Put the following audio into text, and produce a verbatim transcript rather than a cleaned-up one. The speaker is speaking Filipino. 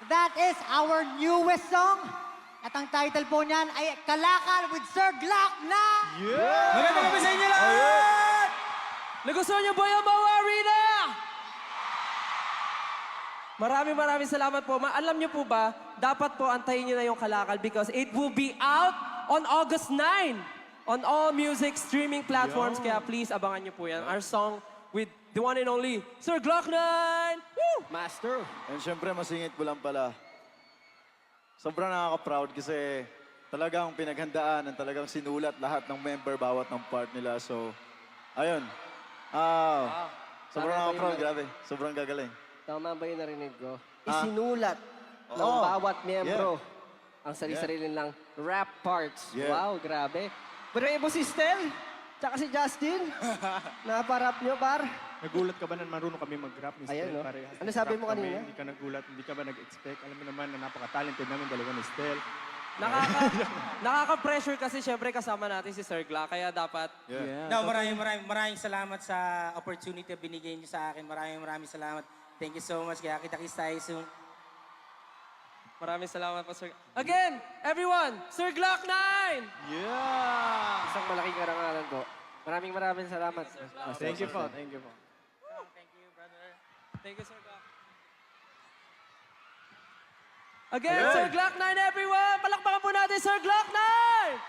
that is our newest song. At ang title po niyan ay Kalakal with Sir Glock na... Yeah! Magandang gabi sa inyo lahat! Nagustuhan niyo ba yung Bawa Arena? Maraming maraming salamat po. Ma alam niyo po ba, dapat po antayin niyo na yung Kalakal because it will be out on August ninth on all music streaming platforms. Kaya please, abangan niyo po yan. Our song with the one and only Sir Glock nine! Woo! Master! And syempre, masingit ko lang pala. Sobrang nakaka-proud kasi talagang pinaghandaan and talagang sinulat lahat ng member bawat ng part nila. So, ayun. Ah, sobrang Tama ba nakaka-proud, yun? grabe. Sobrang gagaling. Tama ba yung narinig ko? Ah. Isinulat ng Oo. bawat miyembro ang sarili-sarili nilang rap parts. Yeah. Wow, grabe. Bravo si Stel, tsaka si Justin. Naparap nyo, par. Nagulat ka ba na marunong kami mag-rap, Mister Ayan, no? Parehas Ano sabi nag-rap mo kami, kanina? Hindi ka nagulat, hindi ka ba nag-expect? Alam mo naman na napaka-talented namin dalawa ni Stel. Nakaka, nakaka-pressure kasi syempre kasama natin si Sir Glock. Kaya dapat Yeah. No, maraming maraming maraming salamat sa opportunity na binigay niyo sa akin. Maraming maraming salamat. Thank you so much. Kaya kita-kits tayo soon. maraming salamat po, Sir. Again, everyone, Sir Glock nine! Yeah! Isang malaking karangalan po. Maraming maraming salamat. Master Thank you po, Stel. thank you po. Thank you, brother. Thank you, Sir Glock. Again, Sir Glock nine, everyone! Palakpakan po natin, Sir Glock nine!